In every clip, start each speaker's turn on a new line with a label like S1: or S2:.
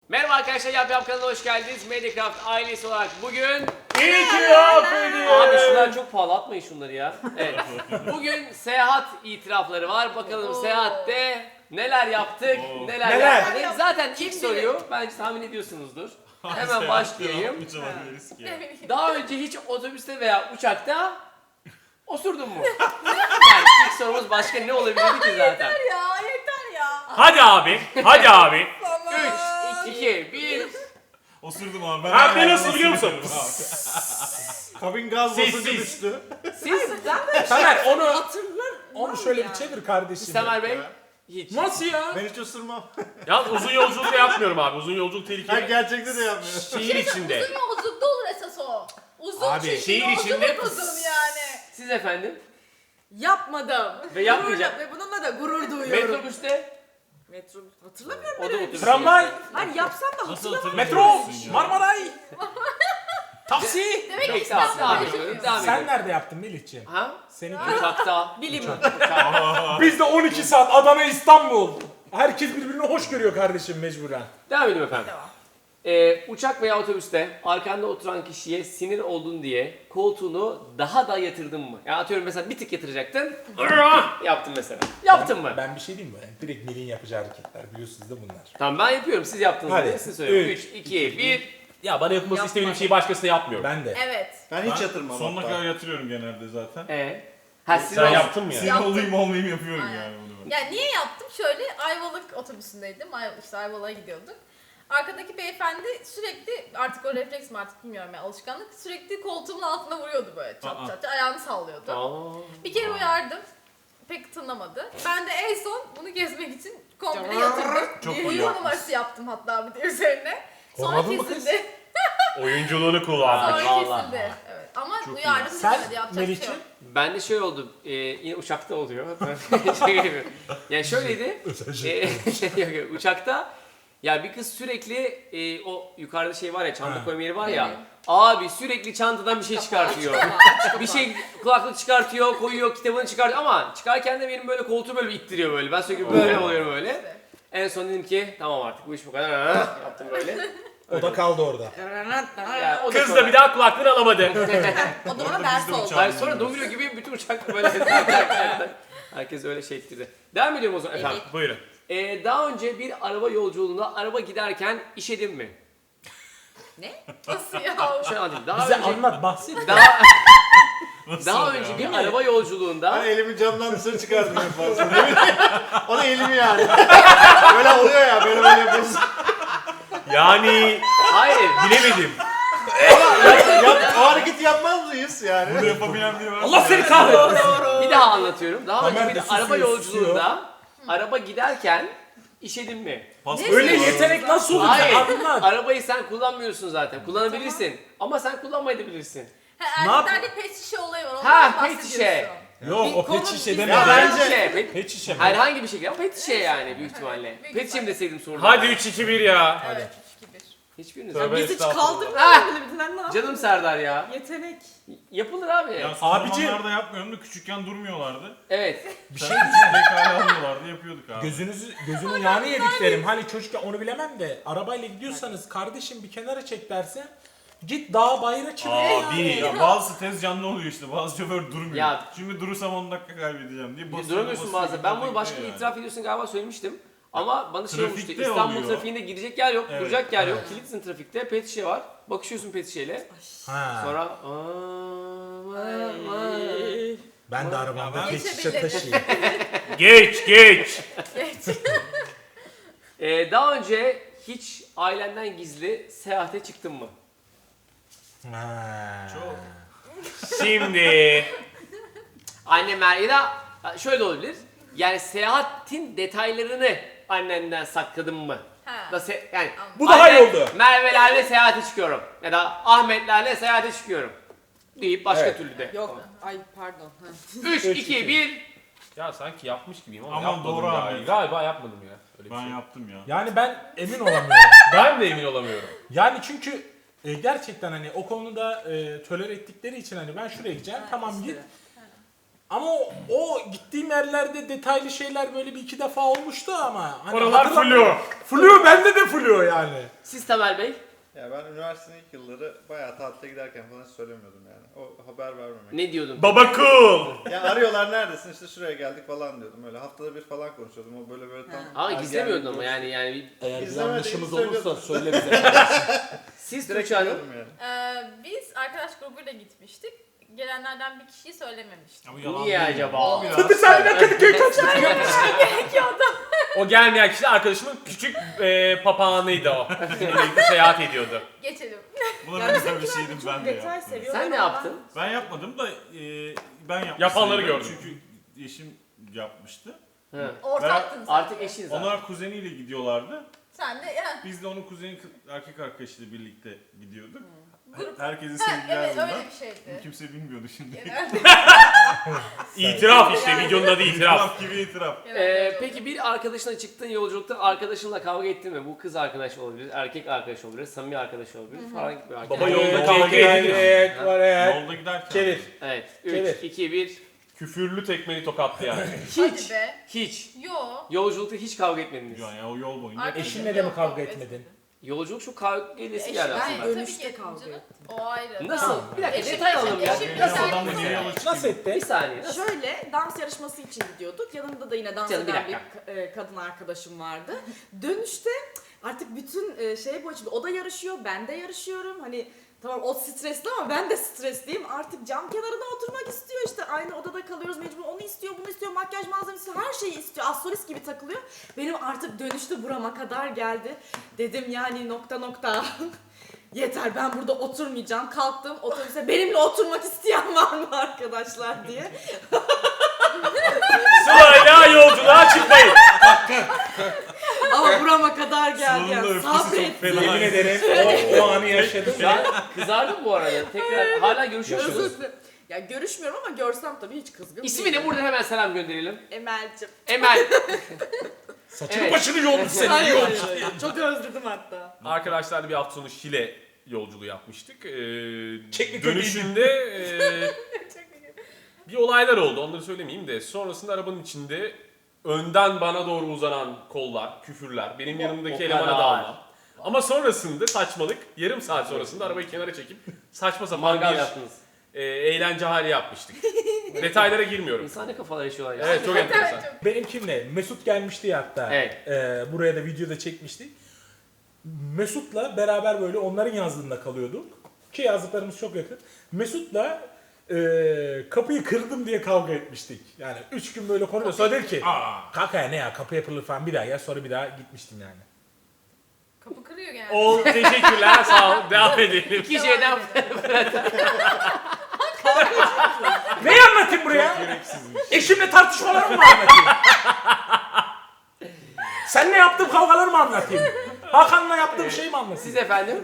S1: Merhaba arkadaşlar, Yap kanalına hoş geldiniz. Mediacraft ailesi olarak bugün...
S2: İyi ki yapmadın.
S1: Abi şunlar çok pahalı, atmayın şunları ya. Evet. Bugün seyahat itirafları var. Bakalım seyahatte neler yaptık, neler yapmadık. Zaten ilk soruyu bence tahmin ediyorsunuzdur. Hemen başlayayım. Daha önce hiç otobüste veya uçakta osurdun mu? Yani ilk sorumuz başka ne olabilirdi ki zaten?
S3: Yeter ya.
S2: Hadi abi. Hadi abi.
S1: 3, 2, 1...
S4: Osurdum abi.
S2: Abi nasıl biliyor musun?
S5: Kabin gaz
S2: Sessiz.
S5: basıncı düştü.
S1: Siz,
S2: Tamer onu
S3: Hatırlarım.
S6: şöyle bir çevir kardeşim.
S1: Semer Bey, hiç.
S2: nasıl ya?
S5: Ben hiç ısırmam.
S2: Ya uzun yolculukta yapmıyorum abi. Uzun yolculuk
S5: Ben
S2: tehlikeli.
S5: gerçekte de yapmıyorum.
S2: Şehir içinde.
S3: Uzun yolculukta olur esas o. Uzun
S2: Abi,
S3: çünkü
S2: şehir
S3: yolculuk
S2: içinde-
S3: uzun yani.
S1: Siz efendim?
S3: Yapmadım.
S1: Ve yapmayacağım.
S3: Ve bununla da gurur duyuyorum. Metrobüs. Hatırlamıyorum
S1: O da
S3: ben öyle bir
S1: otobüs.
S3: şey.
S6: Tramvay,
S3: Hayır yapsam da
S4: Nasıl
S3: hatırlamıyorum.
S4: hatırlamıyorsun
S6: metro,
S4: ya?
S6: Marmaray, taksi.
S3: Demek ki
S1: Peki tamam, devam
S3: İstanbul'da
S1: ediyorum. Devam
S6: Sen
S1: ediyorum.
S6: nerede yaptın Melih'ciğim?
S1: Ha?
S6: Senin
S1: Uçakta.
S3: bilim.
S6: Biz de 12 saat Adana İstanbul. Herkes birbirini hoş görüyor kardeşim mecburen.
S1: Devam ediyorum efendim.
S3: Devam.
S1: Uçak veya otobüste arkanda oturan kişiye sinir oldun diye koltuğunu daha da yatırdın mı? Yani atıyorum mesela bir tık yatıracaktın. Yaptın mesela. Yaptın mı?
S6: Ben bir şey diyeyim mi? Direkt Melih'in yapacağı hareketler biliyorsunuz da bunlar.
S1: Tamam ben yapıyorum. Siz yaptınız
S6: Hadi.
S1: diye size söylüyorum. 3,
S6: Üç,
S1: 2, 1.
S2: Ya bana yapılması istediğim şeyi başkasına yapmıyorum.
S6: Ben de.
S3: Evet.
S5: Ben hiç yatırmam
S4: Sonuna
S5: hatta.
S4: kadar yatırıyorum genelde zaten.
S1: Ha sinir
S2: Sen
S1: oldun.
S2: yaptın mı ya?
S4: Sinir olayım olmayayım yapıyorum
S3: Aynen.
S4: yani bunu ben.
S3: Yani niye yaptım? Şöyle Ayvalık otobüsündeydim. İşte Ayvalık'a gidiyorduk. Arkadaki beyefendi sürekli artık o refleks mi artık bilmiyorum ya alışkanlık sürekli koltuğumun altına vuruyordu böyle çat
S4: Aa.
S3: çat ayağını sallıyordu.
S1: Aa.
S3: Bir kere uyardım. Pek tınlamadı. Ben de en son bunu kesmek için komple yatırdım.
S4: Çok iyi
S3: Uyuma
S4: yapmışsın.
S3: numarası yaptım hatta bir de üzerine. Sonra
S6: Korkmadın mı kız?
S3: kesildi.
S2: Oyunculuğunu kullandık.
S3: Sonra
S1: vallahi.
S3: kesildi. Evet. Ama
S4: Çok iyi.
S3: uyardım
S6: Sen
S3: dinlemedi yapacak bir şey
S6: Melih'ciğim?
S3: yok.
S1: Ben de şey oldu, yine uçakta oluyor. Şaka yapıyorum. Yani şöyleydi, yok, yok, uçakta ya bir kız sürekli o yukarıda şey var ya, çanta koyma yeri var ya, abi sürekli çantadan bir şey çıkartıyor. Bir şey kulaklık çıkartıyor, koyuyor, kitabını çıkartıyor ama çıkarken de benim böyle koltuğu böyle bir ittiriyor böyle. Ben sürekli böyle oluyorum böyle.
S3: İşte.
S1: En son dedim ki tamam artık bu iş bu kadar. Yaptım böyle.
S6: O da kaldı orada.
S1: Yani o
S2: Kız
S1: sonra-
S2: da bir daha kulaklığını alamadı.
S3: O da bana ders oldu.
S1: Hayır sonra domino gibi bütün uçakta böyle herkes öyle şey ettirdi. Devam ediyorum o zaman efendim.
S2: Buyurun.
S1: Daha önce bir araba yolculuğunda araba giderken işedin mi?
S3: Ne? Nasıl ya?
S1: Şöyle anlatayım. Daha
S6: Bize
S1: önce
S6: anlat, bahset.
S1: daha
S4: oluyor
S1: önce
S4: ya?
S1: bir araba yolculuğunda
S5: Ben elimi camdan dışarı çıkardım en fazla. O da elimi yani. Böyle oluyor ya böyle yapıyorsun.
S2: Yani
S1: hayır
S2: bilemedim.
S5: O hareketi yapmaz mıyız yani?
S4: Bunu yapabilen biri var.
S2: Allah seni kahretsin.
S1: bir daha anlatıyorum. Daha önce
S6: Tamer
S1: bir
S6: de
S1: araba
S6: susuyor,
S1: yolculuğunda araba giderken işedin mi?
S6: Öyle yetenek nasıl olur?
S1: Hayır.
S6: Anlat.
S1: Arabayı sen kullanmıyorsun zaten. Kullanabilirsin. Ama sen kullanmayabilirsin.
S6: Ne yap-
S3: Erkeklerde pet şişe olayı var. Ondan
S1: Ha,
S3: bahsediyorsun.
S1: pet şişe.
S6: Yok o
S3: Konu
S6: pet şişe
S3: biz-
S6: deme.
S5: Ya
S1: Pet
S5: bence-
S1: şişe.
S6: Pet şişe mi?
S1: Herhangi bir şey ama pet şişe yani büyük ihtimalle. Pet şişe mi deseydim sorun.
S2: Hadi 3-2-1 ya.
S3: Evet 3-2-1.
S1: Hiçbiriniz.
S2: Tövbe
S3: Biz hiç
S2: estağfurullah.
S3: kaldırmıyoruz bile bizden ne
S1: Canım Serdar ya.
S3: Yetenek.
S1: Yapılır abi.
S4: Ya son
S6: Abicim.
S4: zamanlarda yapmıyorum da küçükken durmuyorlardı.
S1: Evet.
S6: Bir şey
S4: Sen pekala almıyorlardı yapıyorduk abi.
S6: Gözünün yağını yediklerim. Hani çocukken onu bilemem de arabayla gidiyorsanız kardeşim bir kenara çek derse git dağa bayıra çık.
S4: Abi ya bazı tez canlı oluyor işte bazı şoför durmuyor.
S1: Ya-
S4: Şimdi durursam 10 dakika kaybedeceğim diye basıyor.
S1: Duramıyorsun bazen. Ben bunu başka bir itiraf ediyorsun galiba söylemiştim. Ama bana şey olmuştu.
S4: Trafikte
S1: İstanbul
S4: oluyor.
S1: trafiğinde gidecek yer yok,
S4: Evet,
S1: duracak yer yok. Kilitsin trafikte, pet şişe var. Bakışıyorsun pet şişeyle.
S6: Ha.
S1: Sonra
S6: Ben de arabamda pet şişe
S3: Geçebilir.
S6: taşıyayım.
S2: Geç.
S1: daha önce hiç ailenden gizli seyahate çıktın mı?
S6: Ha.
S2: Şimdi
S1: Annemler ya da şöyle olabilir. Yani seyahatin detaylarını annenden sakladın mı?
S3: Ha.
S1: Da yani
S6: Bu daha iyi
S1: annem,
S6: oldu.
S1: Merve'lerle seyahate çıkıyorum. Ya da Ahmet'lerle seyahate çıkıyorum. Deyip başka
S6: Evet.
S1: türlü de.
S3: Yok. Ay pardon.
S1: 3, 2, 1.
S2: ya sanki yapmış gibiyim ama
S4: Aman
S2: yapmadım
S4: doğru
S2: ya.
S4: abi.
S2: Galiba yapmadım ya. Öyle bir
S4: Ben
S2: şey.
S4: yaptım ya.
S6: Yani ben emin olamıyorum.
S2: Ben de emin olamıyorum.
S6: Yani çünkü gerçekten hani o konuda tolere ettikleri için hani ben şuraya gideceğim tamam git. Ama o gittiğim yerlerde detaylı şeyler böyle bir iki defa olmuştu ama. Hani
S2: Oralar
S6: hatırlamıyorum. Flu bende de flu yani.
S1: Siz Tamer Bey?
S5: Ya ben üniversitenin ilk yılları bayağı tatile giderken falan hiç söylemiyordum yani. O haber vermemek.
S1: Ne diyordun?
S2: Baba cool.
S5: Ya arıyorlar neredesin işte şuraya geldik falan diyordum öyle. Haftada bir falan konuşuyordum. O böyle tam...
S1: Ama gizlemiyordun ama
S5: ergenlik
S1: yani bir...
S6: Eğer bir
S5: İzlemediğimi
S6: yanlışımız
S5: söylüyordum.
S6: olursa söyle bize.
S1: Siz
S5: Direkt
S1: Tuğçe Hanım.
S5: gidiyordum yani.
S3: Biz arkadaş grubuyla gitmiştik. Gelenlerden bir kişiyi söylememiştik.
S4: Ama yalan
S1: Niye
S4: değil.
S1: acaba?
S6: Bir saniye Kadıköy kaçtı.
S2: O gelmeyen kişi de arkadaşımın küçük papağanıydı o. Bizimle birlikte seyahat ediyordu.
S3: Geçelim.
S4: Buna
S7: Yani
S4: benzer bir
S7: bizimkiler
S4: şeydim
S7: çok
S4: ben de
S7: detay
S4: ya.
S7: seviyorlar
S1: Sen ne
S7: ama
S1: yaptın?
S4: Ben yapmadım da ben yapmıştım.
S2: Yapanları gördüm.
S4: Çünkü eşim yapmıştı.
S1: Hı.
S3: Ortaktın sen.
S1: Artık eşiniz abi.
S4: Onlar kuzeniyle gidiyorlardı.
S3: Sen de ya.
S4: Biz de onun kuzeni erkek arkadaşıyla birlikte gidiyorduk.
S3: Grup.
S4: Herkesin
S3: Ha,
S4: sevgiler
S3: evet
S4: bunlar.
S3: öyle bir şeydi.
S4: Kimse bilmiyordu şimdi.
S3: Genelde.
S2: İtiraf işte videonun adı itiraf.
S4: İtiraf gibi itiraf.
S3: genelde öyle oldu.
S1: Peki bir arkadaşına çıktığın yolculukta arkadaşınla kavga ettin mi? Bu kız arkadaş olabilir, erkek arkadaş olabilir, samimi arkadaş olabilir falan gibi.
S2: Baba yolda kavga ediliyor.
S6: Evet var evet.
S4: Yolda giderken.
S6: Çevir.
S1: Evet.
S6: Çevir.
S1: 3, 2, 1.
S2: Küfürlü tekmeli tokattı yani.
S1: Hiç.
S3: Hadi be.
S1: Hiç.
S3: Yo.
S1: Yolculukta hiç kavga etmediniz.
S4: Yani o yol boyunca.
S3: Arkadaşım
S6: Eşinle de mi
S3: yok,
S6: kavga
S3: yok,
S6: etmedin?
S1: Yolculuk şu kavga edesi geldi
S7: Ben
S1: aslında.
S3: Tabii
S7: dönüşte
S3: ki ettim
S7: kavga
S3: canım.
S7: ettim.
S3: O ayrı.
S1: Nasıl?
S6: Tamam.
S1: Bir dakika
S3: Eşim-
S1: detay alalım ya.
S3: eşim-
S1: Bir
S3: eşim-
S1: dakika.
S3: eşim-
S4: Adamla niye yola çıktın?
S6: Nasıl etti?
S1: Bir saniye. Nasıl?
S7: Şöyle dans yarışması için gidiyorduk. Yanımda da yine dans
S1: Canım, bir
S7: eden bir
S1: dakika.
S7: kadın arkadaşım vardı. Dönüşte artık bütün şey bu açıdan o da yarışıyor, ben de yarışıyorum. Hani tamam o stresli ama ben de stresliyim. Artık cam kenarına oturmak istiyor işte. Aynı odada kalıyoruz mecbur. Onu istiyor, bunu istiyor, makyaj malzemesi her şeyi istiyor. Astrolist gibi takılıyor. Benim artık dönüşte burama kadar geldi. Dedim yani nokta. Yeter ben burada oturmayacağım. Kalktım otobüse benimle oturmak isteyen var mı arkadaşlar diye.
S2: Sırayla yolculuğa çıkmayın.
S7: Ama burama kadar geldi.
S4: Sıla'nın da
S7: Yani.
S4: öfkesi çok
S7: Sabret.
S4: fena.
S6: Yemin ederim o anı yaşadım.
S1: Ben kızardım bu arada. Tekrar hala görüşüyor musunuz?
S7: Özür dilerim. Ya görüşmüyorum ama görsem tabii hiç kızgın
S1: İsmi
S7: değilim.
S1: ne? Buradan hemen selam gönderelim.
S7: Emel'cim.
S1: Emel.
S6: Saçını
S1: Evet.
S6: başını yolmuş seni.
S7: Hayır,
S6: Yolmuş.
S7: hayır. Çok özledim hatta.
S2: Arkadaşlarla bir hafta sonu Şile yolculuğu yapmıştık.
S6: Çeklik
S2: Dönüşünde bir olaylar oldu. Onları söylemeyeyim de. Sonrasında arabanın içinde önden bana doğru uzanan kollar, küfürler, benim yanımdaki
S1: o
S2: elemana
S1: kadar.
S2: dalma. Ama sonrasında saçmalık, yarım saat sonrasında arabayı kenara çekip saçma sapan
S1: Mangal
S2: bir
S1: yaptınız.
S2: eğlence hali yapmıştık. Detaylara girmiyorum.
S1: İnsan ne kafalar yaşıyorlar ya.
S2: Evet çok enteresan.
S3: Evet, çok.
S6: Benim kimle? Mesut gelmişti ya hatta.
S1: Evet.
S6: Buraya da videoda çekmiştik. Mesut'la beraber böyle onların yazlığında kalıyorduk. Ki yazlıklarımız çok yakın. Mesut'la kapıyı kırdım diye kavga etmiştik. Yani 3 gün böyle konuşuyor. Sonra dedi ki kanka ya ne ya kapı yapılır falan bir daha ya. Sonra bir daha gitmiştim yani.
S3: Kapı kırıyor genelde.
S2: O teşekkürler sağ ol. Devam edelim.
S1: İki şeyden
S6: Neyi anlatayım buraya? Eşimle tartışmalarımı mı anlatayım? Seninle yaptığım kavgaları mı anlatayım? Hakan'la yaptığım şeyi mi anlatayım?
S1: siz efendim.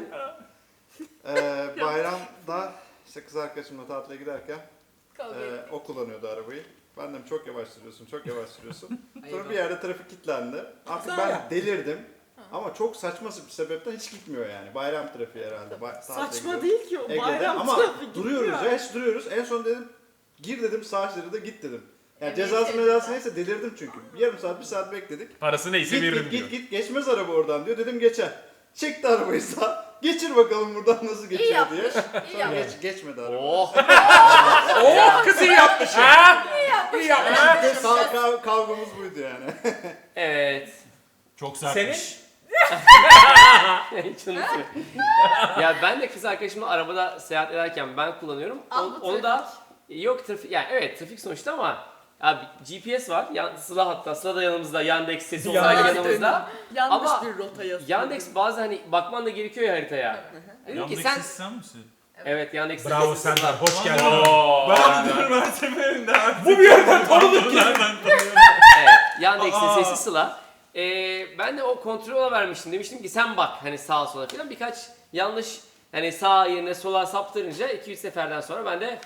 S5: Bayramda işte kız arkadaşımla tatile giderken
S3: Kavga ettik.
S5: o kullanıyordu arabayı. Ben dedim çok yavaş sürüyorsun. Sonra bir yerde trafik kilitlendi. Artık
S6: Sağ
S5: ben
S6: ya.
S5: delirdim. Ama çok saçma bir sebepten hiç gitmiyor yani. Bayram trafiği herhalde. tatile
S7: Saçma
S5: gidiyorum.
S7: değil ki o
S5: Ege'de.
S7: bayram
S5: Ama
S7: trafik
S5: duruyoruz
S7: gitmiyor.
S5: ya hiç duruyoruz. En son dedim gir dedim sağ şeride git dedim. Yani
S3: Evet,
S5: cezası
S3: evet.
S5: mezası neyse delirdim çünkü. Yarım saat bir saat bekledik.
S2: Parası neyse veririm diyor.
S5: Git geçmez araba oradan diyor. Dedim geçer. Çekti arabayı sağ. Geçir bakalım buradan nasıl
S3: İyi
S5: geçiyor
S3: yapmış.
S5: diye.
S3: İyi
S5: Sonra
S3: yapmış.
S5: geçmedi araba.
S1: Oh.
S6: Oh kız iyi yapmış.
S2: Ha?
S6: İyi yapmış.
S5: Kavgamız buydu yani.
S1: Evet.
S4: Çok sertmiş.
S6: Senin?
S1: Hiç unutmuyorum. Ya ben de kız arkadaşımla arabada seyahat ederken ben kullanıyorum.
S3: Al bu
S1: Onu da yok trafik yani evet trafik sonuçta ama abi GPS var. Sıla hatta Sıla da yanımızda. Yandex sesi olarak
S6: Yandex
S1: yanımızda.
S7: Yanlış
S1: Ama
S7: bir rota yazıyor.
S1: Yandex bazen hani bakman da gerekiyor ya haritaya. Dedim ki
S4: Yandaki
S1: sen
S4: sen misin?
S1: evet Yandex
S6: Bravo
S1: sesi
S6: Serdar.
S1: Sıla.
S6: Hoş geldin.
S2: Oo.
S4: Ben bunu üniversitelerinde artık.
S6: Bu bir yerden tanıdık ki.
S4: Nereden tanıyorum?
S1: Evet, Yandex'in sesi Sıla. Ben de o kontrola vermiştim. Demiştim ki sen bak hani sağa sola falan birkaç yanlış hani sağ yerine sola saptırınca 2-3 seferden sonra ben de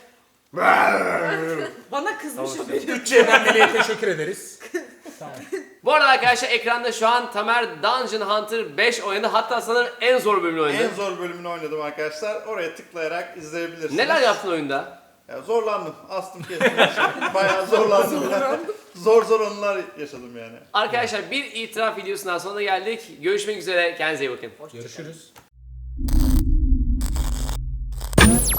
S7: Bana kızmış
S1: Tamam.
S7: o benim.
S6: 3 Cem'den teşekkür ederiz. Tamam.
S1: Bu arada arkadaşlar ekranda şu an Tamer Dungeon Hunter 5 oynadı. Hatta sanırım en zor bölümünü oynadı.
S5: En zor bölümünü oynadım arkadaşlar. Oraya tıklayarak izleyebilirsiniz.
S1: Neler yaptın oyunda?
S5: Ya zorlandım. Astım kestim. Bayağı zorlandım. Zor anılar yaşadım yani.
S1: Arkadaşlar bir itiraf videosundan sonra geldik. Görüşmek üzere. Kendinize iyi bakın.
S6: Görüşürüz.